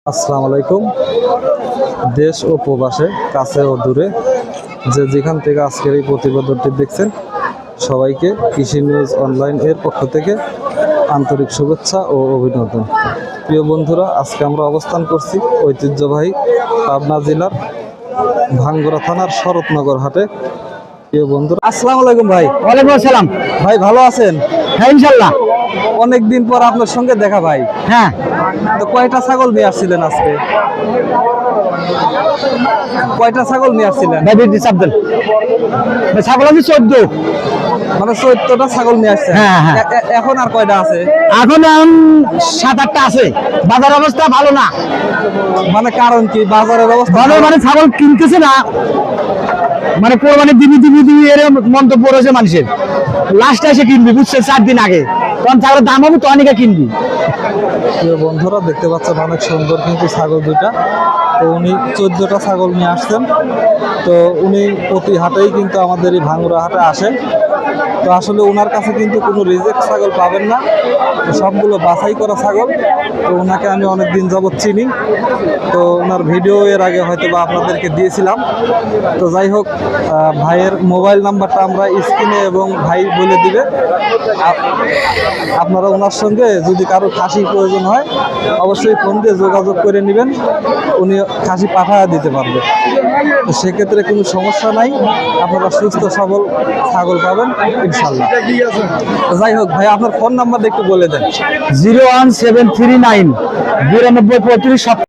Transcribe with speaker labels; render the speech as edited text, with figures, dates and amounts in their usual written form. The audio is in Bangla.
Speaker 1: আসসালামু আলাইকুম। দেশ ও প্রবাসে, কাছে ও দূরে, যে যেখান থেকে আজকের এই প্রতিবেদনটি দেখছেন, সবাইকে কৃষি নিউজ অনলাইন এর পক্ষ থেকে আন্তরিক শুভেচ্ছা ও অভিনন্দন। প্রিয় বন্ধুরা, আজকে আমরা অবস্থান করছি ঐতিহ্যবাহী পাবনা জেলার ভাঙ্গুড়া থানার শরৎনগর হাটে। প্রিয় বন্ধুরা, আসসালামু আলাইকুম ভাই।
Speaker 2: ওয়ালাইকুম আসসালাম।
Speaker 1: ভাই ভালো আছেন?
Speaker 2: হ্যাঁ, ইনশাল্লাহ।
Speaker 1: অনেকদিন পর আপনার সঙ্গে দেখা ভাই।
Speaker 2: হ্যাঁ,
Speaker 1: তো কয়টা ছাগল নিয়ে আসছিলেন আজকে? কয়টা ছাগল নিয়ে আসছিলেন?
Speaker 2: আব্দুল ছাগল আছে 14।
Speaker 1: মানে 14টা ছাগল নিয়ে আসছেন।
Speaker 2: হ্যাঁ, হ্যাঁ।
Speaker 1: এখন আর কয়টা আছে?
Speaker 2: এখন 7-8টা আছে। বাজার অবস্থা ভালো না।
Speaker 1: মানে কারণ কি? বাজারের অবস্থা
Speaker 2: ভালো মানে ছাগল কিনতেছে না, মানে কোরবানি দিবি এর মন্তব্য রয়েছে মানুষের। লাস্টে এসে কিনবি, বুঝছে 4 দিন আগে, তখন ছাগলের দাম হবে, তো অনেকে কিনবি।
Speaker 1: প্রিয় বন্ধুরা, দেখতে পাচ্ছেন অনেক সুন্দর কিন্তু ছাগল দুইটা। তো উনি 14টা ছাগল নিয়ে আসছেন। তো উনি প্রতি হাটেই কিন্তু আমাদের এই ভাঙ্গুড়া হাটে আসেন। তো আসলে ওনার কাছে কিন্তু কোনো রিজেক্ট ছাগল পাবেন না, তো সবগুলো বাছাই করা ছাগল। তো ওনাকে আমি অনেক দিন যাবৎ চিনি। তো ওনার ভিডিও এর আগে হয়তো বা আপনাদেরকে দিয়েছিলাম। তো যাই হোক, ভাইয়ের মোবাইল নাম্বারটা আমরা স্ক্রিনে এবং ভাই বলে দিবে। আপনারা ওনার সঙ্গে যদি কারো খাসি প্রয়োজন হয়, অবশ্যই ফোন দিয়ে যোগাযোগ করে নেবেন, উনি খাসি পাঠিয়ে দিতে পারবে। তো সেক্ষেত্রে কোনো সমস্যা নাই, আপনারা সুস্থ সবল ছাগল পাবেন ইনশাল্লাহ। যাই হোক ভাই, আপনার ফোন নাম্বারটা একটু বলে দেন।
Speaker 2: 01739 92 35